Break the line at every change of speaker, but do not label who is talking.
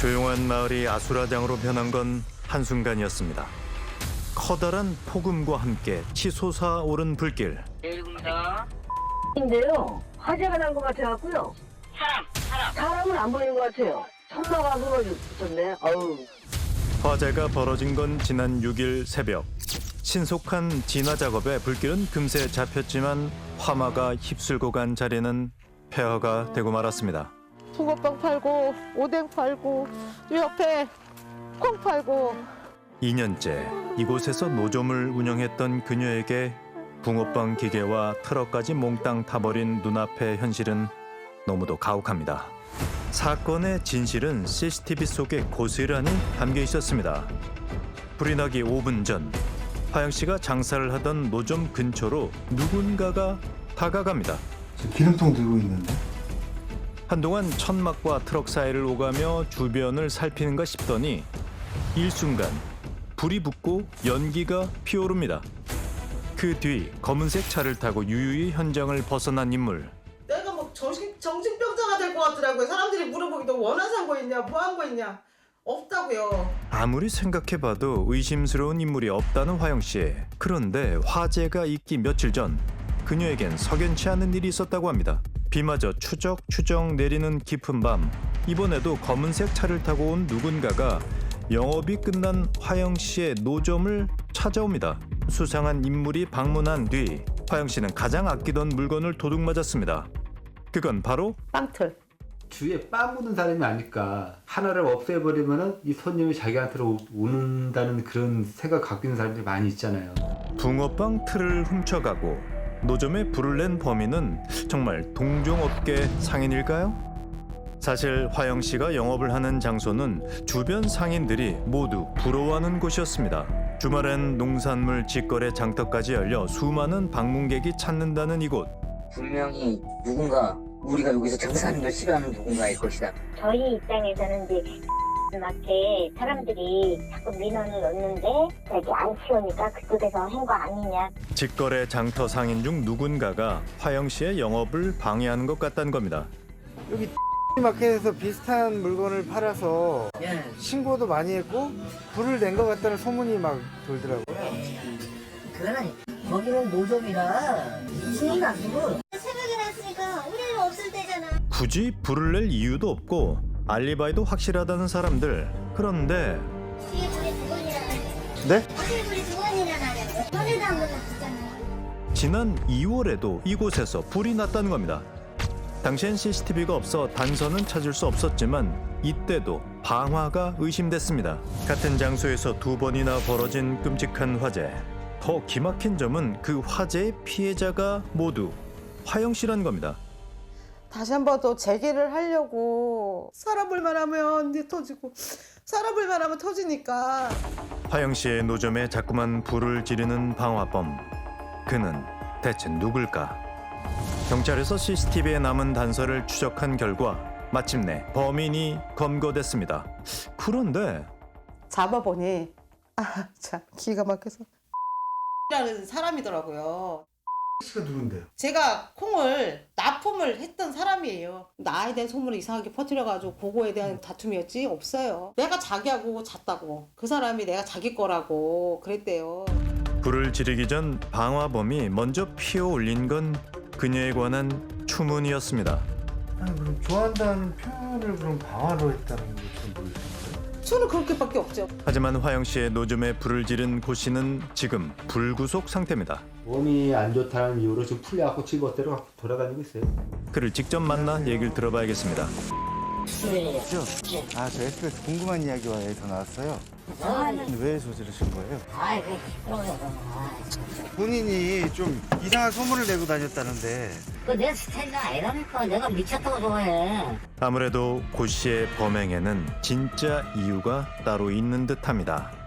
조용한 마을이 아수라장으로 변한 건 한순간이었습니다. 커다란 폭음과 함께 치솟아오른 불길.
인데요. 화재가 난 것 같아갖고요. 사람은 안 보이는 것 같아요. 천막아 그러셨네. 어우.
화재가 벌어진 건 지난 6일 새벽. 신속한 진화 작업에 불길은 금세 잡혔지만 화마가 휩쓸고 간 자리는 폐허가 되고 말았습니다.
붕어빵 팔고 오뎅 팔고 이 옆에 콩 팔고
2년째 이곳에서 노점을 운영했던 그녀에게 붕어빵 기계와 트럭까지 몽땅 타버린 눈앞의 현실은 너무도 가혹합니다. 사건의 진실은 CCTV 속에 고스란히 담겨 있었습니다. 불이 나기 5분 전 화영 씨가 장사를 하던 노점 근처로 누군가가 다가갑니다.
기름통 들고 있는데?
한동안 천막과 트럭 사이를 오가며 주변을 살피는가 싶더니 일순간 불이 붙고 연기가 피오릅니다. 그 뒤 검은색 차를 타고 유유히 현장을 벗어난 인물.
내가 뭐 정신병자가 될 것 같더라고요. 사람들이 물어보기도 원한 산 거 있냐, 뭐 한 거 있냐. 없다고요.
아무리 생각해봐도 의심스러운 인물이 없다는 화영 씨. 그런데 화재가 있기 며칠 전 그녀에겐 석연치 않은 일이 있었다고 합니다. 비마저 추적추적 내리는 깊은 밤, 이번에도 검은색 차를 타고 온 누군가가 영업이 끝난 화영 씨의 노점을 찾아옵니다. 수상한 인물이 방문한 뒤 화영 씨는 가장 아끼던 물건을 도둑맞았습니다. 그건 바로
빵틀.
주위에 빠 묻은 사람이 아닐까. 하나를 없애버리면은 이 손님이 자기한테로 오는다는 그런 생각 갖고 있는 사람들이 많이 있잖아요.
붕어빵 틀을 훔쳐가고 노점에 불을 낸 범인은 정말 동종업계 상인일까요? 사실 화영 씨가 영업을 하는 장소는 주변 상인들이 모두 부러워하는 곳이었습니다. 주말엔 농산물 직거래 장터까지 열려 수많은 방문객이 찾는다는 이곳.
분명히 누군가 우리가 여기서 장사하는 걸 싫어하는 누군가일 것이다.
저희 입장에서는 이제 마트에 사람들이 자꾸 민원을 넣는데 이렇게 안 치우니까 그쪽에서 한 거 아니냐.
직거래 장터 상인 중 누군가가 화영 씨의 영업을 방해하는 것 같다는 겁니다.
여기 마켓에서 비슷한 물건을 팔아서
예.
신고도 많이 했고 불을 낸 것 같다는 소문이 막 돌더라고요.
그거는 거기는 노점이라 신이 나시고
새벽에 났으니까 우리는 없을 때잖아.
굳이 불을 낼 이유도 없고 알리바이도 확실하다는 사람들. 그런데
뒤에 불이 두 번이나 나냐.
네?
뒤에 불이 두 번이나 나냐고. 전에도 한 번 났었잖아.
지난 2월에도 이곳에서 불이 났다는 겁니다. 당시엔 CCTV가 없어 단서는 찾을 수 없었지만 이때도 방화가 의심됐습니다. 같은 장소에서 두 번이나 벌어진 끔찍한 화재. 더 기막힌 점은 그 화재의 피해자가 모두 화영 씨란 겁니다.
다시 한 번 더 재개를 하려고
살아볼만 하면 이제 터지고, 살아볼만 하면 터지니까.
화영 씨의 노점에 자꾸만 불을 지르는 방화범. 그는 대체 누굴까? 경찰에서 CCTV에 남은 단서를 추적한 결과 마침내 범인이 검거됐습니다. 그런데
잡아보니 참 기가 막혀서
라는 사람이더라고요.
씨가 누군데요?
제가 콩을 납품을 했던 사람이에요. 나에 대한 소문을 이상하게 퍼뜨려가지고 그거에 대한 다툼이었지 없어요. 내가 자기하고 잤다고. 그 사람이 내가 자기 거라고 그랬대요.
불을 지르기 전 방화범이 먼저 피어올린 건 그녀에 관한 추문이었습니다.
아니 그럼 좋아한다는 표현을 그럼 방화로 했다는 게 좀 모르겠어요.
저는 그렇게밖에 없죠.
하지만 화영 씨의 노점에 불을 지른 고 씨는 지금 불구속 상태입니다.
몸이 안 좋다는 이유로 지금 풀려갖고 집어대로 갖고 돌아다니고 있어요.
그를 직접 만나 얘기를 들어봐야겠습니다.
아, 저 SBS 궁금한 이야기와 전화 왔어요. 왜 저지르신 거예요?
아이 그 시끄러워요.
본인이 좀 이상한 소문을 내고 다녔다는데.
그내 스타일이 아니라니까. 내가 미쳤다고 좋아해.
아무래도 고 씨의 범행에는 진짜 이유가 따로 있는 듯합니다.